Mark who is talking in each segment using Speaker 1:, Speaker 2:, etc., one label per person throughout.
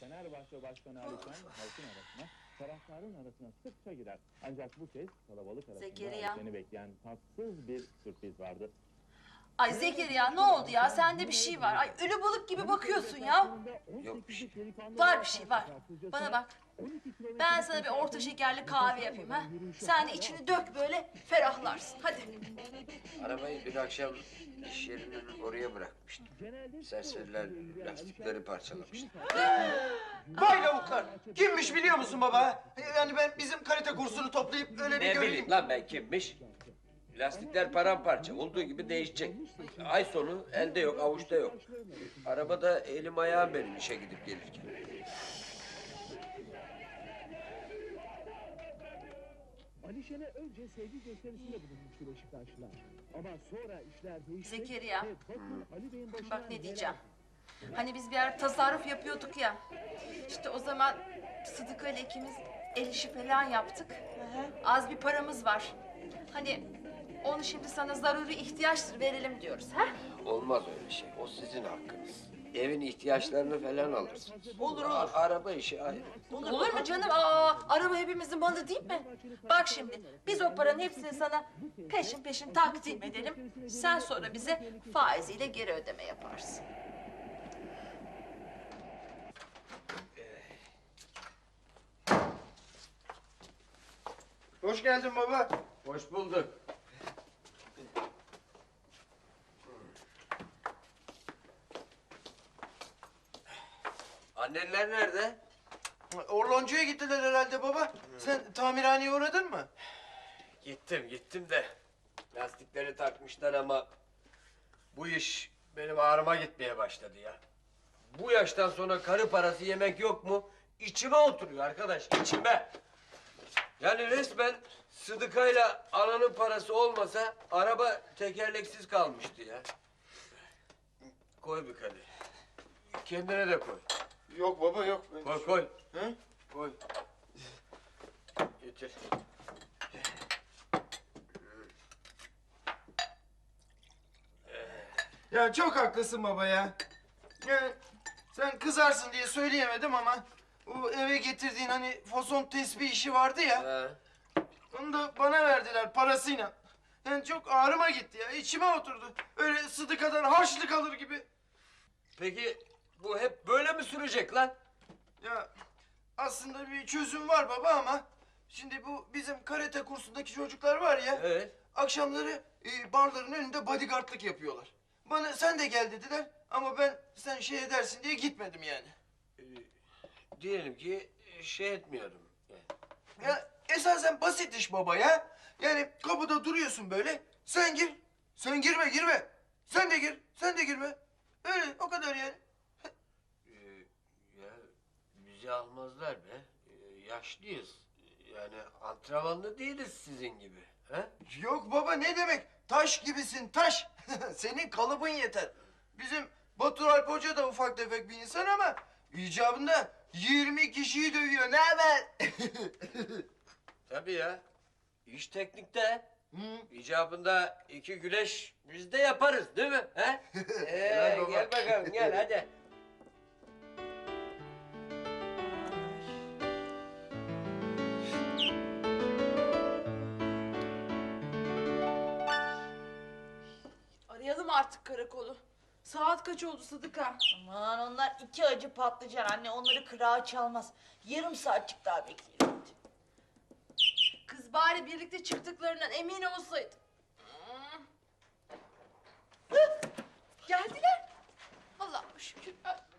Speaker 1: Fenerbahçe Başkanı Ali Şen halkın arasına, taraftarın arasına sıkça girer. Ancak bu kez kalabalık arasında
Speaker 2: Zekeriya.
Speaker 1: Ali Şen'i bekleyen tatsız bir sürpriz vardı.
Speaker 2: Ay Zekeriya ne oldu ya? Sende bir şey var. Ay ölü balık gibi bakıyorsun ya.
Speaker 3: Yok bir şey.
Speaker 2: Var bir şey var. Bana bak. Ben sana bir orta şekerli kahve yapayım ha. Sen de içini dök böyle ferahlarsın. Hadi.
Speaker 3: Arabayı dün akşam iş yerinin oraya bırakmıştım. Serseriler lastikleri parçalamıştı.
Speaker 4: Vay lavuklar! Kimmiş biliyor musun baba? Yani ben bizim karate kursunu toplayıp öyle bir
Speaker 3: Ne
Speaker 4: göreyim.
Speaker 3: bileyim lan ben kimmiş? Lastikler paramparça. Olduğu gibi değişecek. Ay sonu elde yok, avuçta yok. Arabada elim ayağım benim işe gidip gelirken.
Speaker 1: Ali Şen'e önce sevgi gösterisinde bulunmuştu Beşiktaşlılar. Ama sonra işler değişti.
Speaker 2: Zekeriya.
Speaker 1: ve toplu Ali Bey'in başına
Speaker 2: Bak ne
Speaker 1: bela
Speaker 2: diyeceğim. Hani biz bir ara tasarruf yapıyorduk ya. İşte o zaman Sıdıka ile ikimiz el işi falan yaptık. Az bir paramız var. Hani onu şimdi sana zaruri ihtiyaçtır verelim diyoruz. Ha?
Speaker 3: Olmaz öyle şey. O sizin hakkınız. Evin ihtiyaçlarını falan alırsınız.
Speaker 2: Olur, olur.
Speaker 3: Araba işi ayrı.
Speaker 2: Olur mu canım? Aa, araba hepimizin malı değil mi? Bak şimdi biz o paranın hepsini sana peşin peşin takdim edelim. Sen sonra bize faiziyle geri ödeme yaparsın.
Speaker 4: Hoş geldin baba.
Speaker 3: Hoş bulduk. Anneler nerede?
Speaker 4: Orloncuya gittiler herhalde baba. Sen tamirhaneye uğradın mı?
Speaker 3: Gittim de lastikleri takmışlar ama bu iş benim ağrıma gitmeye başladı ya. Bu yaştan sonra karı parası yemek yok mu? İçime oturuyor arkadaş, içime. Yani resmen Sıdıka'yla ananın parası olmasa araba tekerleksiz kalmıştı ya. Koy bir kadeh. Kendine de koy.
Speaker 4: Yok baba yok.
Speaker 3: Koy.
Speaker 4: Hı?
Speaker 3: Koy. Getir.
Speaker 4: Ya çok haklısın baba ya. Yani sen kızarsın diye söyleyemedim ama bu eve getirdiğin hani fason tesbih işi vardı ya.
Speaker 3: Ha.
Speaker 4: Onu da bana verdiler parasıyla. Yani çok ağrıma gitti ya. İçime oturdu. Öyle Sıdıka'dan harçlık alır gibi.
Speaker 3: Peki bu hep böyle mi sürecek lan?
Speaker 4: Ya aslında bir çözüm var baba ama şimdi bu bizim karate kursundaki çocuklar var ya.
Speaker 3: Evet.
Speaker 4: Akşamları barların önünde bodyguardlık yapıyorlar. Bana sen de gel dediler ama ben sen şey edersin diye gitmedim yani.
Speaker 3: Diyelim ki şey etmiyorum. Yani.
Speaker 4: Ya esasen basit iş baba ya. Yani kapıda duruyorsun böyle. Sen gir. Sen girme. Sen de gir. Sen de girme. Öyle o kadar yani.
Speaker 3: Ya bizi almazlar be. Yaşlıyız. Yani antrenmanlı değiliz sizin gibi. Ha?
Speaker 4: Yok baba ne demek? Taş gibisin taş. Senin kalıbın yeter. Bizim Batur Alp Hoca da ufak tefek bir insan ama icabında 20 kişiyi dövüyor. Ne haber?
Speaker 3: Tabii ya. İş teknikte.
Speaker 4: Hı.
Speaker 3: İcabında 2 güleş biz de yaparız değil mi? Ha?
Speaker 4: Helal baba.
Speaker 3: Gel bakalım gel hadi.
Speaker 2: Arayalım artık karakolu. Saat kaç oldu Sıdıka?
Speaker 5: Aman onlar iki acı patlıcan anne, onları kırağı çalmaz. Yarım saatçik daha bekleyelim.
Speaker 2: Kız bari birlikte çıktıklarından emin olsaydı. Geldiler. Allah'ım şükür.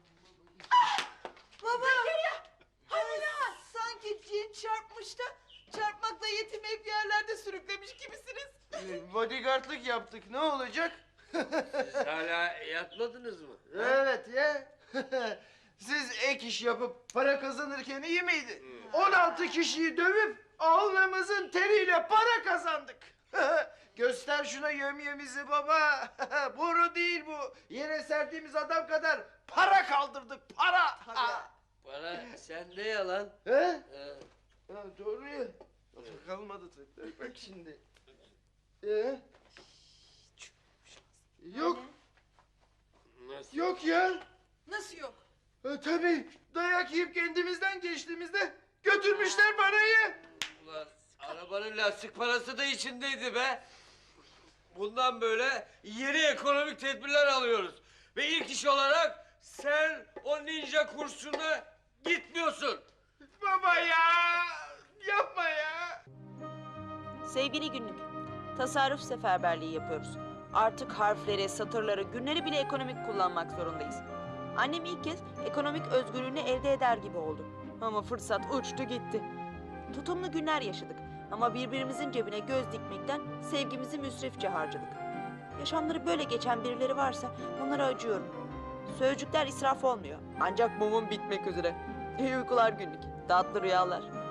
Speaker 5: Baba! Hani sanki cin çarpmış da çarpmakla yetinmeyip yerlerde sürüklemiş gibisiniz.
Speaker 4: Bodyguardlık yaptık. Ne olacak?
Speaker 3: Siz hala yatmadınız mı? Ha?
Speaker 4: Evet ya. Siz ek iş yapıp para kazanırken iyi miydi? 16 kişiyi dövüp alnımızın teriyle para kazandık. Göster şuna yömyemizi baba. Boru değil bu. Yere serdiğimiz adam kadar para kaldırdık. Para.
Speaker 3: Bana sende yalan.
Speaker 4: He? Ha, doğru ya. Kalmadı tabii. Bak şimdi. Yok.
Speaker 3: Nasıl?
Speaker 4: Yok ya.
Speaker 2: Nasıl yok?
Speaker 4: Tabii dayak yiyip kendimizden geçtiğimizde götürmüşler parayı.
Speaker 3: Ulan arabanın lastik parası da içindeydi be. Bundan böyle yeni ekonomik tedbirler alıyoruz. Ve ilk iş olarak sen o ninja kursuna gitmiyorsun.
Speaker 4: Baba ya, yapma ya.
Speaker 6: Sevgili günlük, tasarruf seferberliği yapıyoruz. Artık harfleri, satırları, günleri bile ekonomik kullanmak zorundayız. Annem ilk kez ekonomik özgürlüğünü elde eder gibi oldu. Ama fırsat uçtu gitti. Tutumlu günler yaşadık ama birbirimizin cebine göz dikmekten sevgimizi müsrifçe harcadık. Yaşamları böyle geçen birileri varsa onlara acıyorum. Sözcükler israf olmuyor ancak mumum bitmek üzere. İyi uykular günlük, tatlı rüyalar.